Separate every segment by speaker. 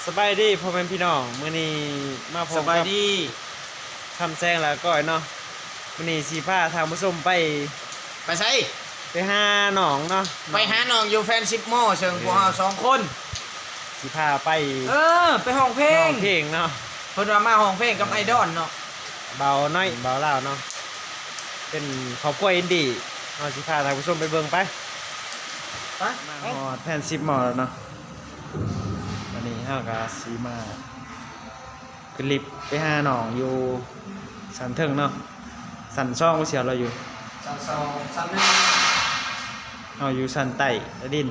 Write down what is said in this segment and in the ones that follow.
Speaker 1: สบายดีพ่อแม่พี่น้องมื้อนี้มาพบ
Speaker 2: สบายดี
Speaker 1: คำแซงแล้วก็เนาะมื้อนี้สิพาทางผู้ชมไป
Speaker 2: ไปใส่
Speaker 1: หาหนองเนาะ
Speaker 2: ไปหาน้องอยู่แฟนซิปโมเชิงพวกเรา2 คน
Speaker 1: สิพาไป
Speaker 2: ไปห้องเพล
Speaker 1: ห้อง งเพลงเนาะ
Speaker 2: เพิ่นว่ามาห้องเพลงกับไอดอลเนาะ
Speaker 1: เบาน้อยเบาลาวเนาะเป็นครอบครัวอินดี้เนาะสิพาทางผู้ชมไปเบิ่งไป
Speaker 2: ไป
Speaker 1: มาฮอดแผ่น10หมอแล้วเนาะวันนี้เฮาก็สิมาขึ้นลิฟต์ไปหาหนองอยู่สันเทิงเนาะสันช่องเสียเราอยู่
Speaker 2: 3 2 3 1
Speaker 1: เอาอยู่สันใต้และดิน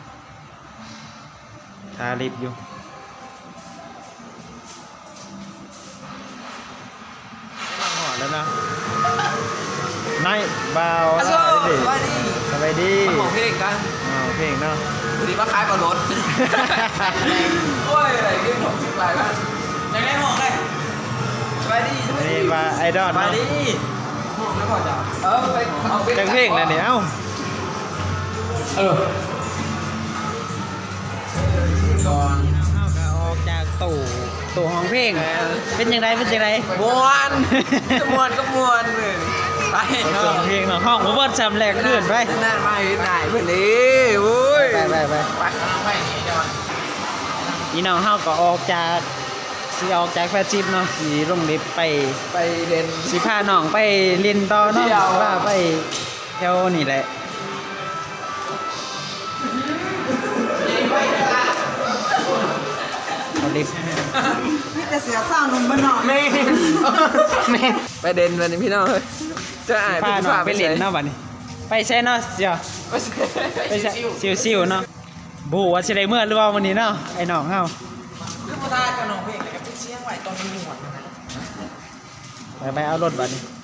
Speaker 1: ทาลิฟต์อยู่มาหอดแล้วเนาะนายบ่าว
Speaker 2: สบายดี
Speaker 1: สบายดี
Speaker 2: มาห้องเพลงกัน
Speaker 1: เอาเพลงเนาะ
Speaker 2: วันนี้มาขายปลารถโอ้ยอะไรเรื่องของสิบหลายบ้านยังไงห้องเลยสบายดี
Speaker 1: อันนี้ว่าไอดอล
Speaker 2: สบาย
Speaker 1: เนาะ
Speaker 2: ดีห้องแล้วพอจ้ะไปเอาเพลง
Speaker 1: จังเพลงนะเนี่ยเอ้า
Speaker 2: ก่อน
Speaker 1: เอาก็ออกจากตู้ห้องเพลงเป็นยังไงเป็นยังไง
Speaker 2: มวนมวนก็มวนเลยไป
Speaker 1: เสียงเพลงเนาะห้องบ่เบิดซ้ำแรกขึ้นไป
Speaker 2: นั่นมาเห็นไหนเพื่อนนี่โอ้ย
Speaker 1: ไป
Speaker 2: ไปนี่จะมา
Speaker 1: อีน้องเฮาก็ออกจากแฟชั่นเนาะสิลงลิฟต์ไป
Speaker 2: ไปเรียน
Speaker 1: สิพาน้องไปเรียนต่อเนาะ
Speaker 2: เที่ยว
Speaker 1: ว่าไปแถวนี่แหละเอาลิฟต์
Speaker 3: นี่จะเสียสร้างนมบ้านนอก
Speaker 2: แม่ไปเด่นวันนี้พี่น้องเฮ้ยจะอ่าน
Speaker 1: พาน้องไปเรียนเนาะบัดนี้ไปใช่เนาะเสียไปใช่ซิวๆเนาะบ่ฮู้ว่าสิได้เมื่อหรือว่าวันนี้เนาะไอ้น้องเฮา
Speaker 2: คือพอทากับน้องเพลงแล้วก็เป็นเสียงไหวตอนมันหมดนะ
Speaker 1: ไปเอารถบัดนี้
Speaker 2: ไ